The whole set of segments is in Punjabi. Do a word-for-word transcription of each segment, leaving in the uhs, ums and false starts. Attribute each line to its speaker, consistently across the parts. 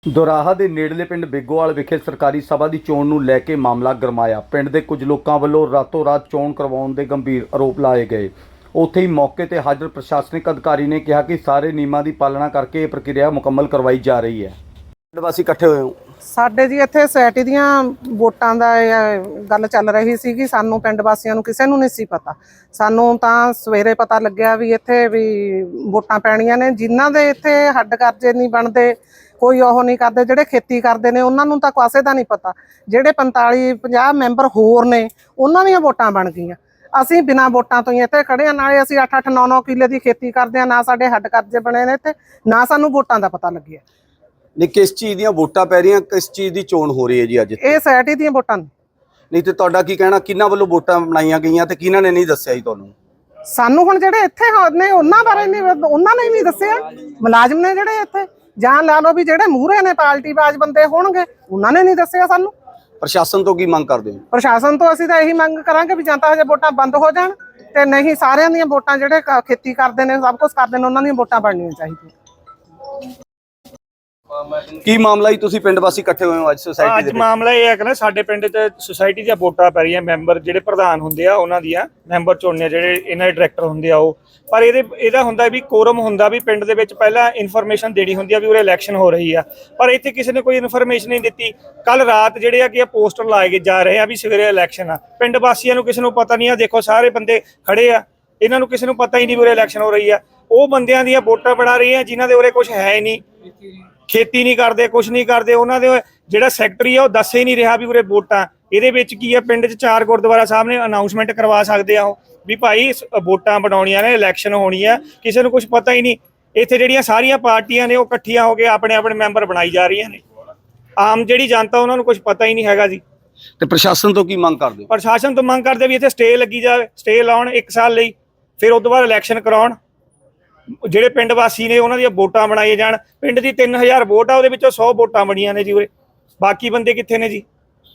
Speaker 1: ਦੋਰਾਹਾ ਦੇ ਨੇੜਲੇ ਪਿੰਡ ਬੇਗੋਵਾਲ ਵਿਖੇ ਸਰਕਾਰੀ ਸਭਾ ਦੀ ਚੋਣ ਨੂੰ ਲੈ ਕੇ ਮਾਮਲਾ ਗਰਮਾਇਆ। ਪਿੰਡ ਦੇ ਕੁਝ ਲੋਕਾਂ ਵੱਲੋਂ ਰਾਤੋਂ ਰਾਤ ਚੋਣ ਕਰਵਾਉਣ ਦੇ ਗੰਭੀਰ ਆਰੋਪ ਲਾਏ ਗਏ। ਉੱਥੇ ਹੀ ਮੌਕੇ ਤੇ ਹਾਜ਼ਰ ਪ੍ਰਸ਼ਾਸਨਿਕ ਅਧਿਕਾਰੀ ਨੇ ਕਿਹਾ ਕਿ ਸਾਰੇ ਨਿਯਮਾਂ ਦੀ ਪਾਲਣਾ ਕਰਕੇ ਇਹ ਪ੍ਰਕਿਰਿਆ ਮੁਕੰਮਲ ਕਰਵਾਈ ਜਾ ਰਹੀ ਹੈ। ਪਿੰਡ ਵਾਸੀ ਇਕੱਠੇ ਹੋਏ ਹੋ।
Speaker 2: ਸਾਡੇ ਜੀ ਇੱਥੇ ਸੋਸਾਇਟੀ ਦੀਆਂ ਵੋਟਾਂ ਦਾ ਗੱਲ ਚੱਲ ਰਹੀ ਸੀ ਕਿ ਸਾਨੂੰ ਪਿੰਡ ਵਾਸੀਆਂ ਨੂੰ ਕਿਸੇ ਨੂੰ ਨਹੀਂ ਸੀ ਪਤਾ। ਸਾਨੂੰ ਤਾਂ ਸਵੇਰੇ ਪਤਾ ਲੱਗਿਆ ਵੀ ਇੱਥੇ ਵੀ ਵੋਟਾਂ ਪੈਣੀਆਂ ਨੇ। ਜਿਨ੍ਹਾਂ ਦੇ ਇੱਥੇ ਹੱਡ ਕਰਜ਼ੇ ਨਹੀਂ ਬਣਦੇ, ਕੋਈ ਉਹ ਨਹੀਂ ਕਰਦੇ, ਜਿਹੜੇ ਖੇਤੀ ਕਰਦੇ ਨੇ ਉਹਨਾਂ ਨੂੰ ਤਾਂ ਕਾਸੇ ਦਾ ਨਹੀਂ ਪਤਾ। ਜਿਹੜੇ ਪੰਤਾਲੀ ਪੰਜਾਹ ਮੈਂਬਰ ਹੋਰ ਨੇ ਉਹਨਾਂ ਦੀਆਂ ਵੋਟਾਂ ਬਣ ਗਈਆਂ। ਅਸੀਂ ਬਿਨਾਂ ਵੋਟਾਂ ਤੋਂ ਹੀ ਇੱਥੇ ਖੜੇ ਹਾਂ। ਨਾਲੇ ਅਸੀਂ ਅੱਠ ਅੱਠ ਨੌ ਨੌ ਕਿੱਲੇ ਦੀ ਖੇਤੀ ਕਰਦੇ ਹਾਂ। ਨਾ ਸਾਡੇ ਹੱਡ ਕਰਜ਼ੇ ਬਣੇ ਨੇ ਇੱਥੇ, ਨਾ ਸਾਨੂੰ ਵੋਟਾਂ ਦਾ ਪਤਾ ਲੱਗਿਆ।
Speaker 1: ਨਹੀਂ, ਕਿਸ ਚੀਜ਼ ਦੀਆਂ ਵੋਟਾਂ ਪੈ ਰਹੀਆਂ, ਕਿਸ ਚੀਜ਼ ਦੀ ਚੋਣ ਹੋ ਰਹੀ ਹੈ ਜੀ ਅੱਜ?
Speaker 2: ਇਹ ਸੋਸਾਇਟੀ ਦੀਆਂ ਵੋਟਾਂ ਨੇ।
Speaker 1: ਨਹੀਂ ਤੇ ਤੁਹਾਡਾ ਕੀ ਕਹਿਣਾ, ਕਿਹਨਾਂ ਵੱਲੋਂ ਵੋਟਾਂ ਬਣਾਈਆਂ ਗਈਆਂ ਤੇ ਕਿਹਨਾਂ ਨੇ ਨਹੀਂ ਦੱਸਿਆ ਜੀ ਤੁਹਾਨੂੰ?
Speaker 2: ਸਾਨੂੰ ਹੁਣ ਜਿਹੜੇ ਇੱਥੇ ਨੇ ਉਹਨਾਂ ਬਾਰੇ ਨਹੀਂ, ਉਹਨਾਂ ਨੇ ਨਹੀਂ ਦੱਸਿਆ। ਮੁਲਾਜ਼ਮ ਨੇ ਜਿਹੜੇ ਇੱਥੇ, ਜਾਂ ਲਾ ਲਓ ਵੀ ਜਿਹੜੇ ਮੂਹਰੇ ਨੇ ਪਾਰਟੀ ਬਾਜ ਬੰਦੇ ਹੋਣਗੇ, ਉਹਨਾਂ ਨੇ ਨਹੀਂ ਦੱਸਿਆ ਸਾਨੂੰ।
Speaker 1: ਪ੍ਰਸ਼ਾਸਨ ਤੋਂ ਕੀ ਮੰਗ ਕਰਦੇ ਹੋ?
Speaker 2: ਪ੍ਰਸ਼ਾਸਨ ਤੋਂ ਅਸੀਂ ਤਾਂ ਇਹੀ ਮੰਗ ਕਰਾਂਗੇ ਵੀ ਜਾਂ ਤਾਂ ਹਜੇ ਵੋਟਾਂ ਬੰਦ ਹੋ ਜਾਣ, ਤੇ ਨਹੀਂ ਸਾਰਿਆਂ ਦੀਆਂ ਵੋਟਾਂ ਜਿਹੜੇ ਖੇਤੀ ਕਰਦੇ ਨੇ, ਸਭ ਕੁਝ ਕਰਦੇ ਨੇ, ਉਹਨਾਂ ਦੀਆਂ ਵੋਟਾਂ ਬਣਨੀਆਂ ਚਾਹੀਦੀਆਂ।
Speaker 1: ਕੀ ਮਾਮਲਾ ਹੀ ਤੁਸੀਂ ਪਿੰਡ ਵਾਸੀ ਇਕੱਠੇ ਹੋਏ ਹੋ ਅੱਜ ਸੁਸਾਇਟੀ ਦੇ ਵਿੱਚ?
Speaker 3: ਅੱਜ ਮਾਮਲਾ ਇਹ ਹੈ ਕਿ ਨਾ ਸਾਡੇ ਪਿੰਡ 'ਚ ਸੁਸਾਇਟੀ ਦੀਆਂ ਵੋਟਾਂ ਪੈ ਰਹੀਆਂ। ਮੈਂਬਰ ਜਿਹੜੇ ਪ੍ਰਧਾਨ ਹੁੰਦੇ ਆ ਉਹਨਾਂ ਦੀਆਂ ਮੈਂਬਰ ਚੁਣਨੇ, ਜਿਹੜੇ ਇਹਨਾਂ ਦੇ ਡਾਇਰੈਕਟਰ ਹੁੰਦੇ ਆ ਉਹ। ਪਰ ਇਹਦੇ ਇਹਦਾ ਹੁੰਦਾ ਵੀ ਕੋਰਮ ਹੁੰਦਾ ਵੀ ਪਿੰਡ ਦੇ ਵਿੱਚ ਪਹਿਲਾਂ ਇਨਫੋਰਮੇਸ਼ਨ ਦੇਣੀ ਹੁੰਦੀ ਆ ਵੀ ਉਰੇ ਇਲੈਕਸ਼ਨ ਹੋ ਰਹੀ ਆ, ਪਰ ਇੱਥੇ ਕਿਸੇ ਨੇ ਕੋਈ ਇਨਫੋਰਮੇਸ਼ਨ ਨਹੀਂ ਦਿੱਤੀ। ਕੱਲ ਰਾਤ ਜਿਹੜੇ ਆ ਕਿ ਪੋਸਟਰ ਲਾਏ ਜਾ ਰਹੇ ਆ ਵੀ ਸਵੇਰੇ ਇਲੈਕਸ਼ਨ ਆ। ਪਿੰਡ ਵਾਸੀਆਂ ਨੂੰ ਕਿਸੇ ਨੂੰ ਪਤਾ ਨਹੀਂ ਆ। ਦੇਖੋ ਸਾਰੇ ਬੰਦੇ ਖੜੇ ਆ, ਇਹਨਾਂ ਨੂੰ ਕਿਸੇ ਨੂੰ ਪਤਾ ਹੀ ਨਹੀਂ ਵੀ ਉਰੇ ਇਲੈਕਸ਼ਨ ਹੋ ਰਹੀ ਆ। ਉਹ ਬੰਦਿਆਂ ਦੀਆਂ ਵੋਟਾਂ ਬਣਾ ਰਹੀ ਆ ਜਿਨ੍ਹਾਂ ਦੇ ਉਰੇ ਕੁਝ ਹੈ ਹੀ ਨਹੀਂ, ਖੇਤੀ ਨਹੀਂ ਕਰਦੇ, ਕੁਛ ਨਹੀਂ ਕਰਦੇ। ਉਹਨਾਂ ਦੇ ਜਿਹੜਾ ਸੈਕਟਰੀ ਆ ਉਹ ਦੱਸ ਹੀ ਨਹੀਂ ਰਿਹਾ ਵੀ ਉਰੇ ਵੋਟਾਂ। ਇਹਦੇ ਵਿੱਚ ਕੀ ਆ, ਪਿੰਡ 'ਚ ਚਾਰ ਗੁਰਦੁਆਰਾ ਸਾਹਿਬ ਨੇ ਅਨਾਉਂਸਮੈਂਟ ਕਰਵਾ ਸਕਦੇ ਆ ਉਹ ਵੀ ਭਾਈ ਵੋਟਾਂ ਬਣਾਉਣੀਆਂ ਨੇ, ਇਲੈਕਸ਼ਨ ਹੋਣੀ ਆ। ਕਿਸੇ ਨੂੰ ਕੁਝ ਪਤਾ ਹੀ ਨਹੀਂ। ਇੱਥੇ ਜਿਹੜੀਆਂ ਸਾਰੀਆਂ ਪਾਰਟੀਆਂ ਨੇ ਉਹ ਇਕੱਠੀਆਂ ਹੋ ਕੇ ਆਪਣੇ ਆਪਣੇ ਮੈਂਬਰ ਬਣਾਈ ਜਾ ਰਹੀਆਂ ਨੇ। ਆਮ ਜਿਹੜੀ ਜਨਤਾ ਉਹਨਾਂ ਨੂੰ ਕੁਝ ਪਤਾ ਹੀ ਨਹੀਂ ਹੈਗਾ ਜੀ।
Speaker 1: ਤੇ ਪ੍ਰਸ਼ਾਸਨ ਤੋਂ ਕੀ ਮੰਗ ਕਰਦੇ ਹੋ?
Speaker 3: ਪ੍ਰਸ਼ਾਸਨ ਤੋਂ ਮੰਗ ਕਰਦੇ ਵੀ ਇੱਥੇ ਸਟੇ ਲੱਗੀ ਜਾਵੇ, ਸਟੇ ਲਾਉਣ ਇੱਕ ਸਾਲ ਲਈ, ਫਿਰ ਉਸ ਤੋਂ ਬਾਅਦ ਇਲੈਕਸ਼ਨ ਕਰਾਉਣ। ਜਿਹੜੇ ਪਿੰਡ ਵਾਸੀ ਨੇ ਉਹਨਾਂ ਦੀਆਂ ਵੋਟਾਂ ਬਣਾਈਆਂ ਜਾਣ। ਪਿੰਡ ਦੀ ਤਿੰਨ ਹਜ਼ਾਰ ਵੋਟ ਆ, ਉਹਦੇ ਵਿੱਚੋਂ ਸੌ ਵੋਟਾਂ ਬਣੀਆਂ ਨੇ ਜੀ ਉਰੇ। ਬਾਕੀ ਬੰਦੇ ਕਿੱਥੇ ਨੇ ਜੀ?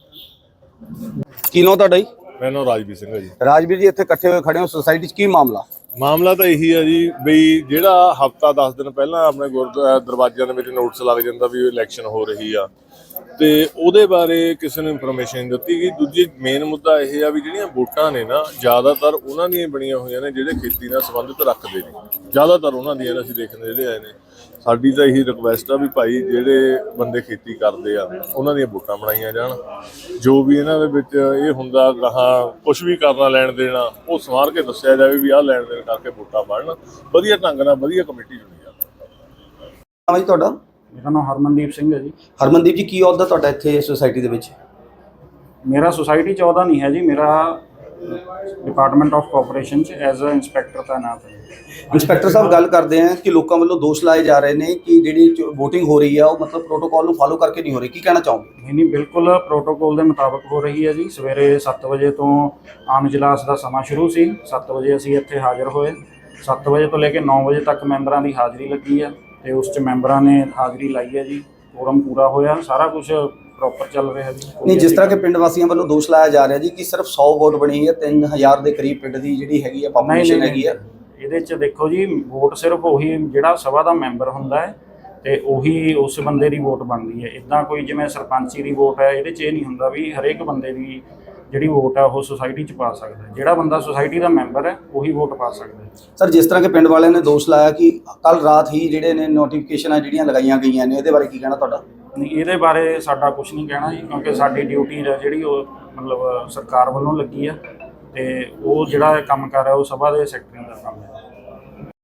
Speaker 1: ਕੀ ਨਾਮ ਤੁਹਾਡਾ ਜੀ?
Speaker 4: ਮੇਰਾ ਨਾਮ ਰਾਜਵੀਰ ਸਿੰਘ ਹੈ ਜੀ।
Speaker 1: ਰਾਜਵੀਰ ਜੀ, ਇੱਥੇ ਇਕੱਠੇ ਹੋਏ ਖੜੇ ਹੋ ਸੁਸਾਇਟੀ 'ਚ, ਕੀ ਮਾਮਲਾ?
Speaker 4: ਮਾਮਲਾ ਤਾਂ ਇਹੀ ਹੈ ਜੀ ਬਈ ਜਿਹੜਾ ਹਫਤਾ ਦਸ ਦਿਨ ਪਹਿਲਾਂ ਆਪਣੇ ਗੁਰਦੁਆਰਾ ਦਰਵਾਜ਼ਿਆਂ ਦੇ ਵਿੱਚ ਨੋਟਿਸ ਲੱਗ ਜਾਂਦਾ ਵੀ ਇਲੈਕਸ਼ਨ ਹੋ ਰਹੀ ਆ, ਤੇ ਉਹਦੇ ਬਾਰੇ ਕਿਸੇ ਨੂੰ ਇਨਫੋਰਮੇਸ਼ਨ ਨਹੀਂ ਦਿੱਤੀ ਗਈ। ਦੂਜੀ ਮੇਨ ਮੁੱਦਾ ਇਹ ਆ ਵੀ ਜਿਹੜੀਆਂ ਵੋਟਾਂ ਨੇ ਨਾ, ਜ਼ਿਆਦਾਤਰ ਉਹਨਾਂ ਦੀਆਂ ਬਣੀਆਂ ਹੋਈਆਂ ਨੇ ਜਿਹੜੇ ਖੇਤੀ ਨਾਲ ਸੰਬੰਧਿਤ ਰੱਖਦੇ ਨੇ। ਜ਼ਿਆਦਾਤਰ ਉਹਨਾਂ ਦੀਆਂ ਅਸੀਂ ਦੇਖਦੇ ਜਿਹੜੇ ਆਏ ਨੇ। ਸਾਡੀ ਤਾਂ ਇਹੀ ਰਿਕੁਐਸਟ ਆ ਵੀ ਭਾਈ ਜਿਹੜੇ ਬੰਦੇ ਖੇਤੀ ਕਰਦੇ ਆ ਉਹਨਾਂ ਦੀਆਂ ਵੋਟਾਂ ਬਣਾਈਆਂ ਜਾਣ। ਜੋ ਵੀ ਇਹਨਾਂ ਦੇ ਵਿੱਚ ਇਹ ਹੁੰਦਾ ਗਾਹਾਂ ਕੁਛ ਵੀ ਕਰਨਾ ਲੈਣ ਦੇਣਾ, ਉਹ ਸਵਾਰ ਕੇ ਦੱਸਿਆ ਜਾਵੇ ਵੀ ਆਹ ਲੈਣ ਦੇਣ ਕਰਕੇ ਵੋਟਾਂ ਬਣਨ। ਵਧੀਆ ਢੰਗ ਨਾਲ ਵਧੀਆ ਕਮੇਟੀ ਚੁਣੀ ਜਾਵੇ।
Speaker 1: ਹਾਂ ਜੀ, ਤੁਹਾਡਾ?
Speaker 5: ਮੇਰਾ ਨਾਮ ਹਰਮਨਦੀਪ ਸਿੰਘ ਹੈ ਜੀ।
Speaker 1: ਹਰਮਨਦੀਪ ਜੀ, ਕੀ ਅਹੁਦਾ ਤੁਹਾਡਾ ਇੱਥੇ ਸੁਸਾਇਟੀ ਦੇ ਵਿੱਚ?
Speaker 5: ਮੇਰਾ ਸੁਸਾਇਟੀ 'ਚ ਅਹੁਦਾ ਨਹੀਂ ਹੈ ਜੀ। ਮੇਰਾ ਡਿਪਾਰਟਮੈਂਟ ਆਫ ਕੋਆਪਰੇਸ਼ਨ 'ਚ ਐਜ਼ ਅ ਇੰਸਪੈਕਟਰ ਤਾਇਨਾਤ ਹੈ।
Speaker 1: ਇੰਸਪੈਕਟਰ ਸਾਹਿਬ, ਗੱਲ ਕਰਦੇ ਆ ਕਿ ਲੋਕਾਂ ਵੱਲੋਂ ਦੋਸ਼ ਲਾਏ ਜਾ ਰਹੇ ਨੇ ਕਿ ਜਿਹੜੀ ਵੋਟਿੰਗ ਹੋ ਰਹੀ ਆ ਉਹ ਮਤਲਬ ਪ੍ਰੋਟੋਕਾਲ ਨੂੰ ਫਾਲੋ ਕਰਕੇ ਨਹੀਂ ਹੋ ਰਹੀ। ਕੀ ਕਹਿਣਾ ਚਾਹੋਗੇ?
Speaker 5: ਨਹੀਂ ਨਹੀਂ, ਬਿਲਕੁਲ ਪ੍ਰੋਟੋਕਾਲ ਦੇ ਮੁਤਾਬਕ ਹੋ ਰਹੀ ਹੈ ਜੀ। ਸਵੇਰੇ ਸੱਤ ਵਜੇ ਤੋਂ ਆਮ ਇਜਲਾਸ ਦਾ ਸਮਾਂ ਸ਼ੁਰੂ ਸੀ। ਸੱਤ ਵਜੇ ਅਸੀਂ ਇੱਥੇ ਹਾਜ਼ਰ ਹੋਏ। ਸੱਤ ਵਜੇ ਤੋਂ ਲੈ ਕੇ ਨੌ ਵਜੇ ਤੱਕ ਮੈਂਬਰਾਂ ਦੀ ਹਾਜ਼ਰੀ ਲੱਗੀ ਹੈ, ਤੇ ਉਸ 'ਚ ਮੈਂਬਰਾਂ ਨੇ ਹਾਜ਼ਰੀ ਲਾਈ ਹੈ ਜੀ। ਕੋਰਮ ਪੂਰਾ ਹੋਇਆ, ਸਾਰਾ ਕੁਝ ਪ੍ਰੋਪਰ ਚੱਲ ਰਿਹਾ ਜੀ।
Speaker 1: ਨਹੀਂ, ਜਿਸ ਤਰ੍ਹਾਂ ਕਿ ਪਿੰਡ ਵਾਸੀਆਂ ਵੱਲੋਂ ਦੋਸ਼ ਲਾਇਆ ਜਾ ਰਿਹਾ ਜੀ ਕਿ ਸਿਰਫ ਸੌ ਵੋਟ ਬਣੀ ਹੈ, ਤਿੰਨ ਹਜ਼ਾਰ ਦੇ ਕਰੀਬ ਪਿੰਡ ਦੀ ਜਿਹੜੀ ਹੈਗੀ ਆ ਪਾਪੂਲੇਸ਼ਨ ਹੈਗੀ ਆ।
Speaker 5: ਇਹਦੇ 'ਚ ਦੇਖੋ ਜੀ, ਵੋਟ ਸਿਰਫ ਉਹੀ ਜਿਹੜਾ ਸਭਾ ਦਾ ਮੈਂਬਰ ਹੁੰਦਾ ਹੈ ਤੇ ਉਹੀ ਉਸ ਬੰਦੇ ਦੀ ਵੋਟ ਬਣਦੀ ਹੈ। ਇੱਦਾਂ ਕੋਈ ਜਿਵੇਂ ਸਰਪੰਚੀ ਦੀ ਵੋਟ ਹੈ, ਇਹਦੇ 'ਚ ਇਹ ਨਹੀਂ ਹੁੰਦਾ ਵੀ ਹਰੇਕ ਬੰਦੇ ਦੀ ਜਿਹੜੀ ਵੋਟ ਹੈ ਉਹ ਸੁਸਾਇਟੀ 'ਚ ਪਾ ਸਕਦਾ। ਜਿਹੜਾ ਬੰਦਾ ਸੁਸਾਇਟੀ ਦਾ ਮੈਂਬਰ ਹੈ ਉਹੀ ਵੋਟ ਪਾ ਸਕਦਾ ਹੈ।
Speaker 1: ਸਰ, ਜਿਸ ਤਰ੍ਹਾਂ ਕਿ ਪਿੰਡ ਵਾਲਿਆਂ ਨੇ ਦੋਸ਼ ਲਾਇਆ ਕਿ ਕੱਲ ਰਾਤ ਹੀ ਜਿਹੜੇ ਨੇ ਨੋਟੀਫਿਕੇਸ਼ਨਾਂ ਜਿਹੜੀਆਂ ਲਗਾਈਆਂ ਗਈਆਂ ਨੇ, ਇਹਦੇ ਬਾਰੇ ਕੀ ਕਹਿਣਾ ਤੁਹਾਡਾ?
Speaker 5: ਨਹੀਂ, ਇਹਦੇ ਬਾਰੇ ਸਾਡਾ ਕੁਝ ਨਹੀਂ ਕਹਿਣਾ ਜੀ, ਕਿਉਂਕਿ ਸਾਡੀ ਡਿਊਟੀ ਹੈ ਜਿਹੜੀ ਉਹ ਮਤਲਬ ਸਰਕਾਰ ਵੱਲੋਂ ਲੱਗੀ ਆ, ਤੇ ਉਹ ਜਿਹੜਾ ਕੰਮ ਕਰ ਰਿਹਾ ਉਹ ਸਭਾ ਦੇ ਸੈਕਟਰੀ ਦਾ ਕੰਮ ਹੈ।